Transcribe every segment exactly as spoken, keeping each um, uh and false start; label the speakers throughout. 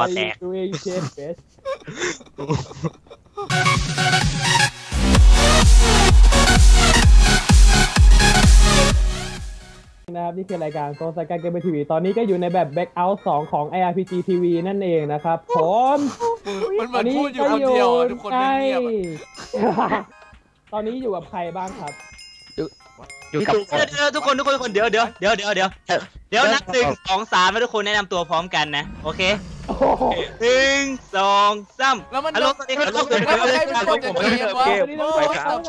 Speaker 1: แตกตัวเองเชนเฟสนะครับนี่คือรายการโซนสกายเกมทีวีตอนนี้ก็อยู่ในแบบ Back Out สองของ ไอ อาร์ พี จี ที วี นั่นเองนะครับผม
Speaker 2: มันมันพูดอยู่คนเดียวทุกคนเงียบ
Speaker 1: ตอนนี้อยู่กับใครบ้างครับ
Speaker 3: อยู่กับเดี๋ยวทุกคนทุกคนทุกคนเดี๋ยวเดี๋ยวเดี๋ยวเดี๋ยวเดี๋ยวเดี๋ยวนับหนึ่งสองสามให้ทุกคนแนะนำตัวพร้อมกันนะโอเคหนึ่งสองสาม
Speaker 2: แล้วมัน
Speaker 3: ฮัลโหลสวัสดีครับทุกคน
Speaker 2: แล้วมันใครเป็นคนจะเกมวะ
Speaker 1: ไปครับ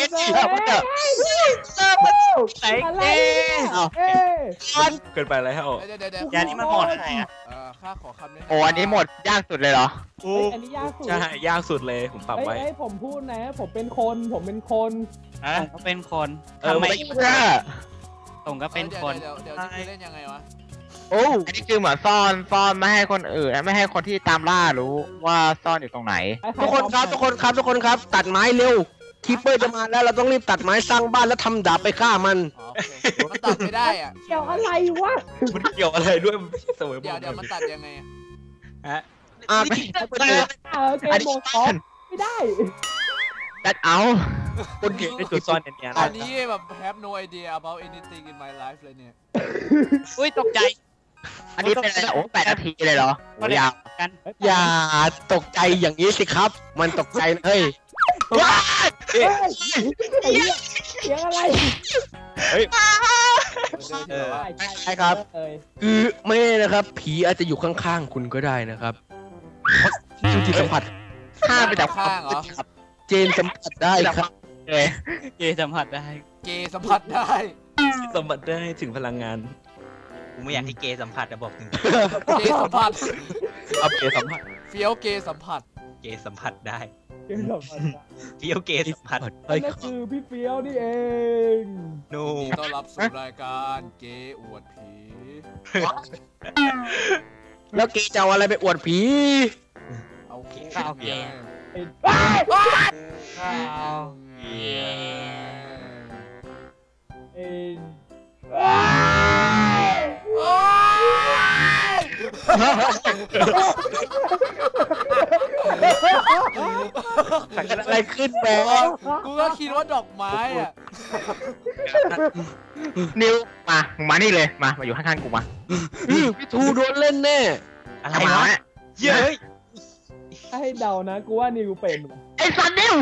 Speaker 3: ใส่เกมเกินไปแล้วอย่างนี้มันหมดอะไรอ่ะ
Speaker 2: ข้าขอคำนี้
Speaker 4: โอ้อันนี้หมดยากสุดเลยเหรอ
Speaker 1: อันนี้ยากสุด
Speaker 5: ใช่ยากสุดเลยผมปรับไว้
Speaker 1: ไอ้ผมพูดนะผมเป็นคนผมเป็นคน
Speaker 3: อ่ะเขาเป็นคน
Speaker 4: ทำไม
Speaker 3: ตรงก็เป็นคน
Speaker 2: เดี๋ยวเดี๋ยวจะเล่นยังไงวะ
Speaker 4: โอ้อันนี้คือเหมือนซ่อนซ่อนไม่ให้คนอื่นไม่ให้คนที่ตามล่ารู้ว่าซ่อนอยู่ตรงไหน
Speaker 6: ทุกคนครับทุกคนครับทุกคนครับตัดไม้เร็วคิปเปอร์จะมาแล้วเราต้องรีบตัดไม้สร้างบ้านแล้วทำดาบไปฆ่ามัน
Speaker 2: มันตัดไม่ได้อ่ะ
Speaker 1: เกี่ยวอะไรวะ
Speaker 5: มันเกี่ยวอะไรด้วยเสมอ
Speaker 2: เดี๋ยวเดี๋ยวมันตัดยังไง
Speaker 3: ฮะ
Speaker 4: อ่าไม่ได้
Speaker 1: อันนี้ไม่ได้
Speaker 4: ตัดเอา
Speaker 5: คนเก่งในจุดซ่อนเนี่ย
Speaker 2: อันนี้แบบ have no idea about anything in my life เลยเนี่ย
Speaker 3: อุ้ยตกใจ
Speaker 4: อันนี้เป็นอะไรโอ้แปดนาทีเลยเหรอยาว
Speaker 3: กัน
Speaker 6: อย่าตกใจอย่างนี้สิครับมันตกใจเฮ้ย
Speaker 1: ว้ายเสียงอะไร
Speaker 5: เฮ้ย
Speaker 6: ใช่ครับคือไม่นะครับผีอาจจะอยู่ข้างๆคุณก็ได้นะครับจิตสัมผัส
Speaker 4: ข้าไปจาก
Speaker 2: ข้างเหรอ
Speaker 6: เจนสัมผัสได้ครับ
Speaker 3: เกย์สัมผัสได้
Speaker 2: เกย์สัมผัสได้
Speaker 5: สัมผัสได้ถึงพลังงาน
Speaker 3: กูไม่อยากให้เกย์สัมผัสนะบอกถึง
Speaker 2: เกย์สัมผัส
Speaker 5: เอาเกย์สัมผัส
Speaker 2: เฟี้ยวเกย์สัมผัส
Speaker 3: เกย์สัมผัสได้
Speaker 1: เกย์สัมผัส
Speaker 3: เฟี้ยวเกย์สัมผัส
Speaker 1: นั่นคือพี่เฟี้ยวนี่เอง
Speaker 3: นู
Speaker 2: ต้อนรับสู่รายการเกย์อวดผี
Speaker 6: แล้วเกย์จะเอาอะไรไปอวดผี
Speaker 2: เอาข้าวเกย์
Speaker 3: ข้าวเก
Speaker 1: ย์
Speaker 6: อะไรขึ้นแบง
Speaker 2: กูก็คิดว่าดอกไม้อ่ะ
Speaker 4: นิวมามานี่เลยมามาอยู่ข้างๆกูมา
Speaker 6: พี่ทูโดนเล่นแน่
Speaker 4: อะไรวะ
Speaker 3: เย้ย
Speaker 1: ถ้าให้เดานะกูว่านิวเป็น
Speaker 4: ไอ้สันนิว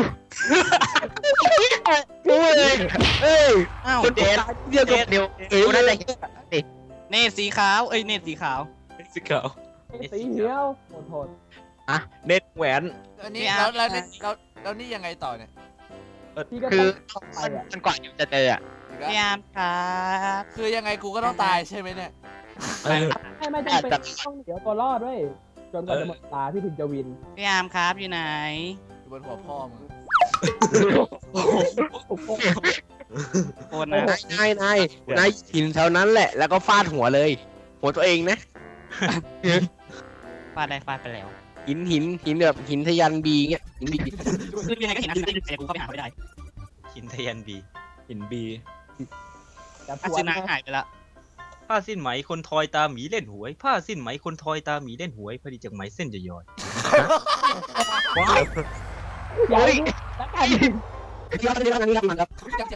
Speaker 4: กูเลยเอ้ยคนเด็ดเดียวกับนิวเอ้ยนั่นแหละ
Speaker 3: เนตสีขาวเอ้ยเนตสีขาว
Speaker 5: สีขาว
Speaker 1: สีเขียวโหดโหด
Speaker 5: อ่ะเน็ตแหวน
Speaker 2: อันนี้แล้วแล้วแล้วแล้วนี่ยังไงต่อเนี่ย
Speaker 4: คือจนกว่านิวจะเจออ่ะ
Speaker 3: พยายามครับ
Speaker 2: คือยังไงกูก็ต้องตายใช่ไหมเนี่ย
Speaker 1: ไม่ไม่จำเป็นต้องเดี๋ยวตัวรอดด้วยจนกว่าจะหมดตาพี่ถึงจะวิน
Speaker 3: พยายามครับอยู่ไหน
Speaker 2: อยู่บนหัวพ่อมึง
Speaker 3: โอนนะ
Speaker 6: นายนายนายหินแถวนั้นแหละแล้วก็ฟาดหัวเลยหัวตัวเองนะ
Speaker 3: ฟาดได้ฟาดไปแล้ว
Speaker 6: หินหินหินแบบหินทะยันบีเงี้ยหินบี
Speaker 3: คือยังไงก็เห็นนะแต่กูเข้าไปหาไม่ได้หินทะยันบี
Speaker 5: หินบี
Speaker 3: ผ้าสิ้นหายไปละผ้าสิ้นไหมคนทอยตาหมีเล่นหวยผ้าสิ้นไหมคนทอยตาหมีเล่นหวยพอดีจากไหมเส้นจะย้อย
Speaker 1: ย้อย
Speaker 6: ย้อนเรื่องนี้มันครับ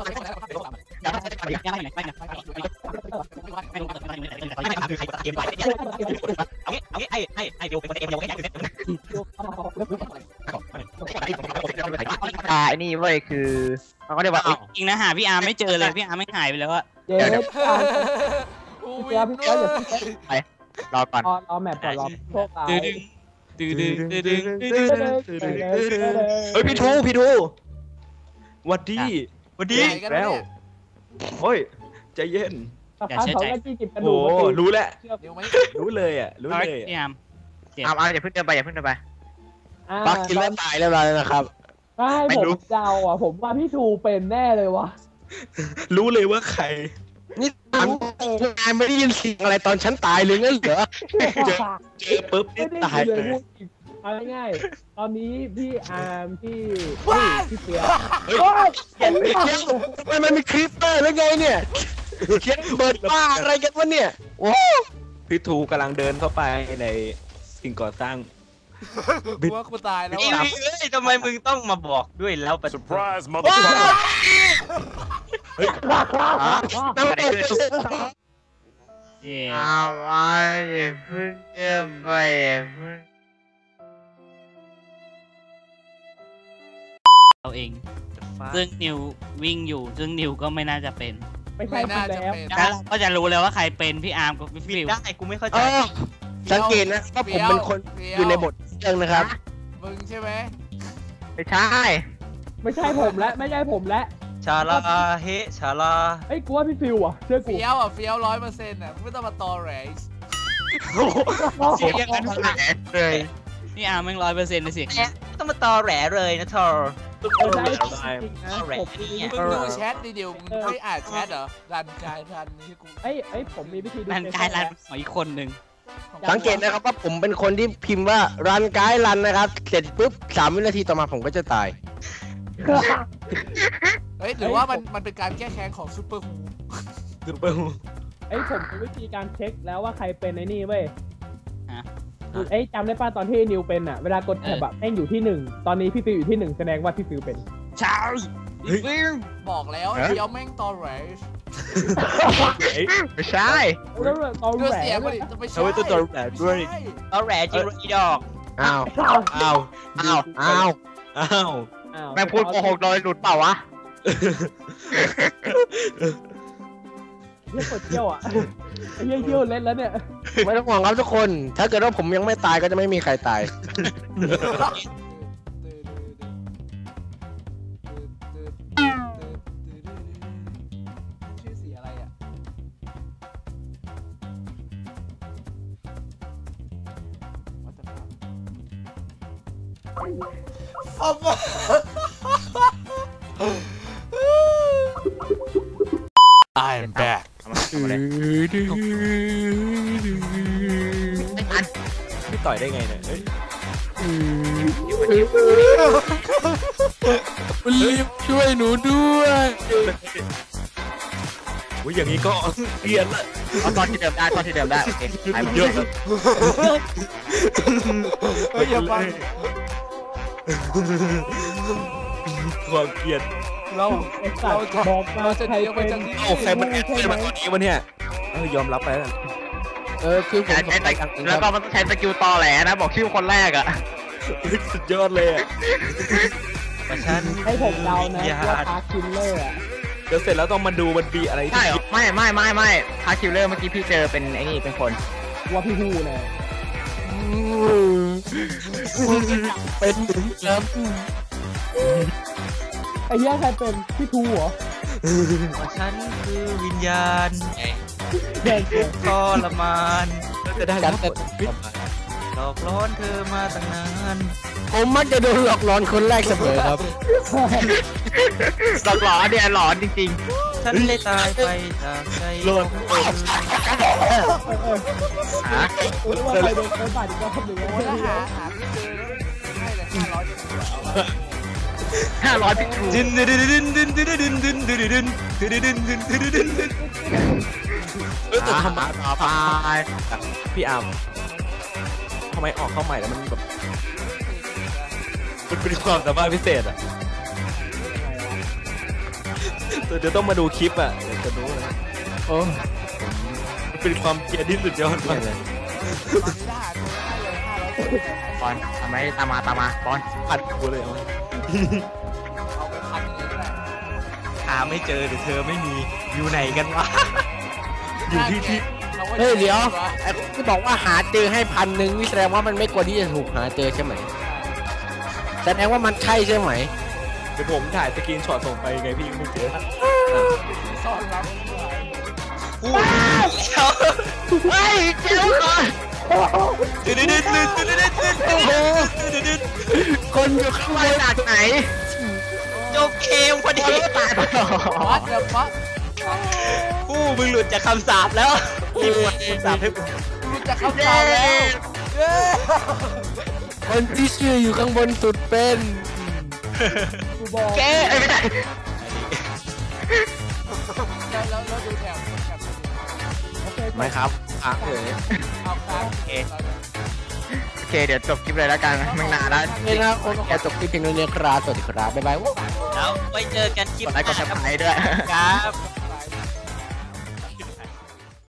Speaker 3: ยังไม่ไหนไปไหนไปไหนไม่รู้ไม่รู้ไม่ถามคือใครเกมไปเอางี้เอางี้ไอ้ไอ้ไอ้เดียวเป็นคนเกมเดียวแค่ไหน
Speaker 4: อ่าไอ้นี่เว้ยคือเขาก็เรียกว่า
Speaker 3: จริงนะหาพี่อาร์ไม่เจอเลยพี่อาร์ไม่หายไปแล้วอะ
Speaker 1: เดี๋ยวเดี๋ยวพี่อาร์พี่อาร์เดี๋ยว
Speaker 4: ไปรอก่อน
Speaker 1: รอแมปก่อนรอโชคร้าย
Speaker 3: ดึงดึงดึงดึงดึง
Speaker 5: เฮ้ยพี่ทูพี่ทูวัดดีวัดดีแล้วโอ้ยใจเย็น
Speaker 1: อย่าเชื่อใจ
Speaker 5: โอ้รู้แล้วรู้เลยอ่ะรู้เลย
Speaker 3: พี่อาร์ม
Speaker 4: เอาเอาอย่าเพิ่งเดินไปอย่าเพิ่งเดินไป
Speaker 6: ปักกินแล้วตายแล้วนะครับ
Speaker 1: ไม่ผมเดาอ่ะผมว่าพี่ทูเป็นแน่เลยวะ
Speaker 5: รู้เลยว่าใคร
Speaker 6: นี่ถามนายไม่ได้ยินเสียงอะไรตอนฉันตายเลยงั้นเหรอ
Speaker 5: เจอเจอปุ๊บนี่ตายเลย
Speaker 1: เอาง่ายๆตอนนี้พี่อาร์มพี่พี่เปีย
Speaker 6: เห็นไหมมันมันมีคลิปเปอร์แล้วไงเนี่ยเขียนเบิร์ดบ้าอะไรกันวะเนี่ยโอ้
Speaker 5: พี่ทูกำลังเดินเข้าไปในสิ่งก่อสร้าง
Speaker 2: กูว่ากูตายแล้ว
Speaker 3: เอ้ย
Speaker 2: อะ
Speaker 3: เอ้ยทำไมมึงต้องมาบอกด้วยแล้วปะ
Speaker 7: Surprise,
Speaker 3: ว้า
Speaker 7: motherfucker!
Speaker 6: น้ำตก
Speaker 4: เอาไว้อย่าเพิ่งเชื่อไปอย่าเพิ่ง
Speaker 8: เราเอง ซึ่งนิววิ่งอยู่ ซึ่งนิวก็ไม่น่าจะเป็น
Speaker 1: ไม่ใช่
Speaker 2: ไม่น่าจะ
Speaker 1: แล้ว
Speaker 2: เป็น
Speaker 8: แล้วเราก็จะรู้เลยว่าใครเป็นพี่อาร์มกับพี่
Speaker 3: บิ
Speaker 8: ฟิ
Speaker 3: ด
Speaker 8: ว
Speaker 3: ได้กูไม่เข้าใจ
Speaker 6: เออสังเกตนะว่าผมเป็นคนอยู่ในบทเรื่องนะครับ
Speaker 2: มึงใช่ไหม
Speaker 4: ไม่ใช่
Speaker 1: ไม่ใช่ผมและไม่ใช่ผมและ
Speaker 3: ชาลาเฮชาลา
Speaker 1: เอ้ยกูว่าพี่ฟิวอ่ะเชื่อกู
Speaker 2: เฟี้ยวอ่ะเฟี้ยวร้อยเปอร์เซ็นต์อ่ะมึงไม่ต้องมาตอแหลก
Speaker 3: เสียงกัน
Speaker 4: แหลเลย
Speaker 8: นี่อาร์มแม่งร้อยเปอร์เซ็นต์เลยเสียง
Speaker 3: แหละไม่ต้องมาตอแหลเลยนะทอร์
Speaker 1: ไม่ใช่จริงๆนะผมมี
Speaker 2: มึงดูแชทดิเดียวมึงไม่อ่านแชทเหรอรันกายรันนี่กู
Speaker 1: เอ้ยเอ้ยผมมีวิธีดู
Speaker 8: นั่นกลายรันของอีกคนหนึ่ง
Speaker 6: สังเกตนะครับว่าผมเป็นคนที่พิมพ์ว่ารันไกด์รันนะครับ เสร็จปุ๊บสามวินาทีต่อมาผมก็จะตาย
Speaker 2: เฮ้ยหรือว่ามันมันเป็นการแก้แค้นของซูเปอร์ฮู
Speaker 5: ซูเปอร์ฮู
Speaker 1: เอ้ยผมมีวิธีการเช็คแล้วว่าใครเป็นไอ้นี่เว้ย
Speaker 8: ฮะ
Speaker 1: เอ้ยจำได้ป่ะตอนที่นิวเป็นอ่ะเวลากดแท็บแบบแม่งอยู่ที่หนึ่งตอนนี้พี่ฟิวอยู่ที่หนึ่งแสดงว่าพี่ฟิวเป็น
Speaker 8: ใช่ฟิว
Speaker 2: บอกแล้วเฟี้ยวแม่งตอแหลก
Speaker 4: ไม่ใช่
Speaker 1: แล้วตอน
Speaker 2: ดู
Speaker 1: แหว
Speaker 2: เสียง
Speaker 1: น
Speaker 2: มันดิจะไม่ใช่
Speaker 5: เอาไว้ตัวตอแหลด้วย
Speaker 2: ใช่
Speaker 3: ตอแหลจริงอีดอก
Speaker 6: อ้าว
Speaker 5: อ้าว
Speaker 6: อ้าว อ้าว
Speaker 5: อ้าว
Speaker 4: แม่งพูดโกหกโดยหลุดเปล่าวะ
Speaker 1: เยี่ยกดเที่ยวอ่ะไอ้เยี่ยเยี่ยวเล่นแล้วเนี่ย
Speaker 6: ไม่ต้องห่วงครับทุกคน ถ้าเกิดว่าผมยังไม่ตายก็จะไม่มีใครตาย
Speaker 2: ชื่อสีอะไรอ่ะ What the fuck I am back
Speaker 5: พี่ต่อยได้ไงเนี่ยเฮ้ย
Speaker 6: ช่วยหนูด้วย
Speaker 5: โอ้ยอย่างนี้ก็เกลียนละ
Speaker 4: เอาตอนที่เดิมได้ตอนที่เดิมได้โอเคไปหมด
Speaker 5: เยอะ
Speaker 2: เฮ้ยอย่าฟัง
Speaker 5: ความเกลียด
Speaker 2: เรา
Speaker 1: ไอ้สัต
Speaker 2: เรา
Speaker 1: ว์
Speaker 2: จะ
Speaker 1: บอกมา
Speaker 2: เราจะ
Speaker 1: ใคร
Speaker 2: เดียวไป
Speaker 1: เป็น
Speaker 2: จากที่
Speaker 5: เอ้าใครมันแอบเล่นมาตอนนี้วะเนี่ยเออยอมรับไปแล้ว
Speaker 6: เออคือผม
Speaker 4: ใช้แต่แล้วก็มันต้องใช้สกิลตอแหลนะบอกชื่อคนแรกอะ
Speaker 5: สุดยอดเลยอ่ะ
Speaker 3: ประชัน
Speaker 1: ให้ผมเดานะ
Speaker 3: ญา
Speaker 1: ว่า
Speaker 3: ติ
Speaker 1: พาร์คคิลเลอร์อ่ะ
Speaker 5: เดี๋ยวเสร็จแล้วต้องมาดูมันปีอะไร
Speaker 4: ใช่
Speaker 5: ที่
Speaker 4: เหรอไม่ไม่ไม่ไม่พาคิลเลอร์เมื่อกี้พี่เจอเป็นไอ้นี่เป็นคน
Speaker 1: ว่าพี่ฮู้เลย
Speaker 6: เป็นถึงครับ
Speaker 1: ไอ้เหี้ยใครเป็นพี่ทูเหรอ
Speaker 3: ประชันคือวิญญาณ
Speaker 1: แดงเกิน
Speaker 3: ทรมาน
Speaker 5: จะได้
Speaker 6: กั
Speaker 5: รั
Speaker 6: น
Speaker 5: บ
Speaker 6: แต่
Speaker 3: หลอกล้อนเธอมาตั้งนาน
Speaker 6: ผมมักจะโดนหลอกหลอนคนแรกเสมอครับ
Speaker 4: หลอกหลอนเนี่ยหลอนจริง
Speaker 3: ฉันได้ตายไปจากใจ
Speaker 5: โลด
Speaker 4: ๆฮะ
Speaker 1: รู้ว่าใครโดนโดนบาดอีกรอบหนึ่ง
Speaker 2: โอ้
Speaker 1: แล้ว
Speaker 2: ถ้าหาหาไม่เจอให้เลยห้าร้อยจะเหลือเอาไว้
Speaker 4: ห้าร้อยพิกทู
Speaker 3: ดินดินดินดินดินดินดินดินดินดินดินดินดินดินดินดิน
Speaker 5: เออแต่ทำไม
Speaker 4: ต่อไป
Speaker 5: พี่อาร์มทำไมออกเข้าใหม่แล้วมันแบบมันเป็นความสามารถพิเศษอ่ะเดี๋ยวต้องมาดูคลิปอ่ะเดี๋ยวจะรู้เลย
Speaker 6: โอ้
Speaker 5: มันเป็นความเกลียดที่สุดยอดมากเลย
Speaker 2: ตอนนี้ถ้าหาตัวได้เลยห้าร้อย
Speaker 4: บอลทำไมตามมาตามมาบอล
Speaker 5: พันกูเลยเอา
Speaker 2: เอาไปพันหนึ่งก็ได้
Speaker 3: หาไม่เจอหรือเธอไม่มีอยู่ไหนกันวะ
Speaker 5: อยู่ที่ที่
Speaker 2: ราก็
Speaker 6: เฮ้ยเดี๋ยว
Speaker 2: วะ
Speaker 6: ไอ้ที่บอกว่าหาเจอให้พันหนึ่งนี่แสดงว่ามันไม่ควรที่จะถูกหาเจอใช่ไหมแสดงว่ามันใช่ใช่ไหม
Speaker 5: เดี๋ยวผมถ่ายสกรีนช็อตส่งไปไงพี่ไม่เจอ
Speaker 2: ซ่อนรับ
Speaker 3: อู้เฮ้ยเจ้าก่อนดินดินดินดินดินดินดินดิน
Speaker 6: คนอยู่ข้าง
Speaker 4: มา
Speaker 6: ใน
Speaker 4: จากไหน
Speaker 3: จบเกมพอดี
Speaker 4: ตายไปแล้ว
Speaker 2: วัดเดี๋ยววัด
Speaker 3: อู้มึงหลุดจากคำสาปแล้วรีบกดคำสาปให้กู
Speaker 2: รู้จักคำตอบแล้วเย้
Speaker 6: คนที่ชื่ออยู่ข้างบนสุดเป็น
Speaker 1: กูบอก
Speaker 3: แก
Speaker 4: เอ้ยไม่ได้
Speaker 2: แล้วแล้วแล้วดูแถบแถบ
Speaker 1: โอเค
Speaker 5: ไม่ครับอ่ะเอ๋ย
Speaker 2: เอาค้าง
Speaker 3: โอเค
Speaker 4: เคเดี๋ยวจบคลิปเลยแล้วกันไม่นานแล้ว
Speaker 6: นี่นะครับคนขอจบคลิปเพียงเท่านี้ครับสวัสดีครับบ๊ายบาย
Speaker 3: แล้วไว้เจอกันคลิป
Speaker 4: กด
Speaker 3: ห
Speaker 4: ไลค์กด
Speaker 3: น้า
Speaker 4: ซับสไครต์ด้วย
Speaker 3: ครับ